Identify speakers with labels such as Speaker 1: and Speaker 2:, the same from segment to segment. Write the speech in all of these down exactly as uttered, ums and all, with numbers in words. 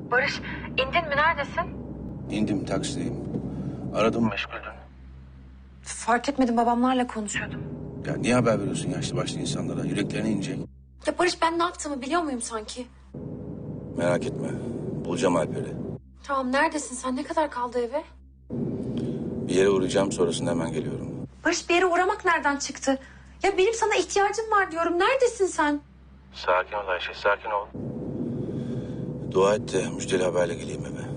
Speaker 1: Barış, indin mi? Neredesin?
Speaker 2: İndim, taksideyim. Aradım, meşguldün.
Speaker 1: Fark etmedim, babamlarla konuşuyordum.
Speaker 2: Ya niye haber veriyorsun yaşlı başlı insanlara? Yüreklerine inecek.
Speaker 1: Ya Barış, ben ne yaptığımı biliyor muyum sanki?
Speaker 2: Merak etme. Bulacağım Alper'i.
Speaker 1: Tamam, neredesin sen? Ne kadar kaldı eve?
Speaker 2: Bir yere uğrayacağım, sonrasında hemen geliyorum.
Speaker 1: Barış, bir yere uğramak nereden çıktı? Ya benim sana ihtiyacım var diyorum. Neredesin sen?
Speaker 2: Sakin ol Ayşe, sakin ol. Dua et de müjdeli haberle geleyim eve.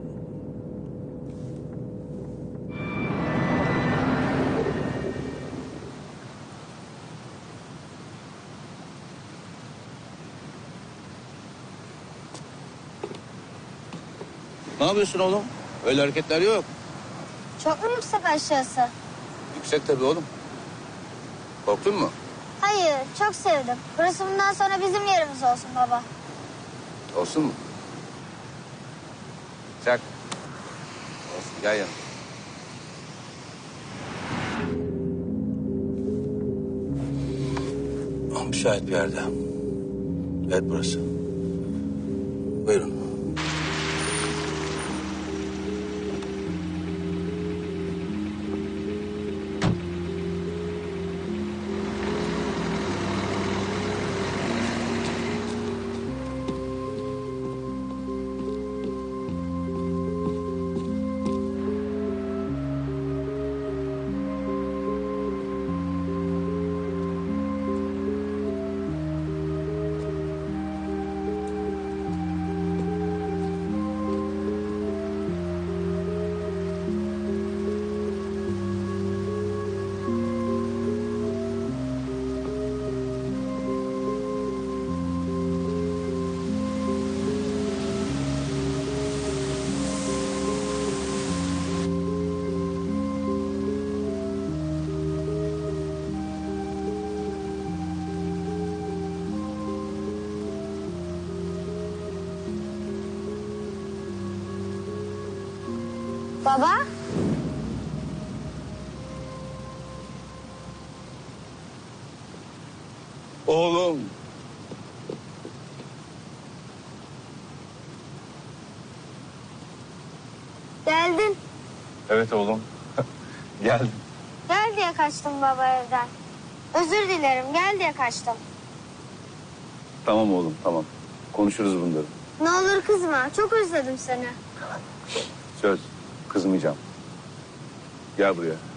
Speaker 2: Ne yapıyorsun oğlum? Öyle hareketler yok.
Speaker 3: Çok mu yüksek aşağısı?
Speaker 2: Yüksek tabii oğlum. Korktun mu?
Speaker 3: Hayır, çok sevdim. Burası bundan sonra bizim yerimiz olsun baba.
Speaker 2: Olsun mu? Çak. Olsun, gel yanıma. Ah, müsait bir yerde. Evet, burası. Buyurun.
Speaker 3: Baba?
Speaker 2: Oğlum.
Speaker 3: Geldin.
Speaker 2: Evet oğlum. Geldim.
Speaker 3: Gel diye kaçtım baba evden. Özür dilerim, gel diye kaçtım.
Speaker 2: Tamam oğlum, tamam. Konuşuruz bunları.
Speaker 3: Ne olur kızma, çok özledim seni.
Speaker 2: Söz, kızmayacağım. Gel buraya.